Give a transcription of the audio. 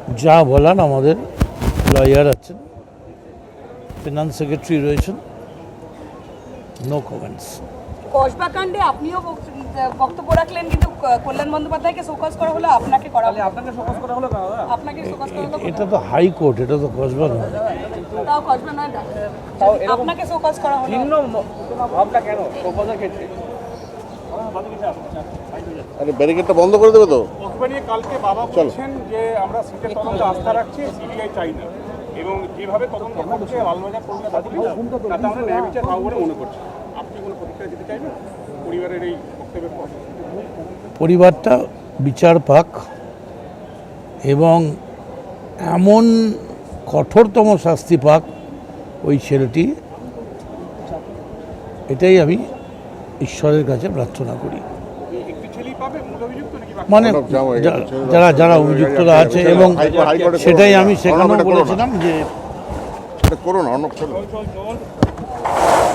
যা বলার আমাদের লয়ার আছেন, ফিনান্স সেক্রেটারি রয়েছেন, নো কমেন্টস। কসবা কাণ্ডে আপনিও বক্তব্য রাখলেন, কিন্তু কল্যাণ বন্দ্যোপাধ্যায়কে শোকজ করা হলো, আপনাকে করা হলো, আপনাকে শোকজ করা হলো, আপনাকে শোকজ করা হলো। এটা তো হাইকোর্ট, এটা তো কসবা নয়। তাও কসবা নয়, আপনাকে শোকজ করা হলো। ভিন্ন ভাবটা কেন শোকজের ক্ষেত্রে? আরে ব্যারিকেডটা বন্ধ করে দেবে তো। কসবা নিয়ে কালকে বাবা বলছেন যে আমরা সিটের তদন্তে আস্থা রাখছি, সিবিআই চাই না, এবং যেভাবে তদন্ত করছে লালবাজার কলকাতা পুলিশ, তাতে আমরা ন্যায় বিচার পাবো বলে মনে করছি। আপনি কোনো প্রতিক্রিয়া দিতে চাইবেন পরিবারের এই বক্তব্যের পর? পরিবারটা বিচার পাক এবং এমন কঠোরতম শাস্তি পাক ওই ছেলেটি, এটাই আমি ঈশ্বরের কাছে প্রার্থনা করি। একটি ছেলেই পাবে মূল অভিযুক্ত নাকি বাকি? মানে যারা যারা অভিযুক্তরা আছে, এবং সেটাই আমি সেখানেও বলেছিলাম যে করুন অর্ণব চলো।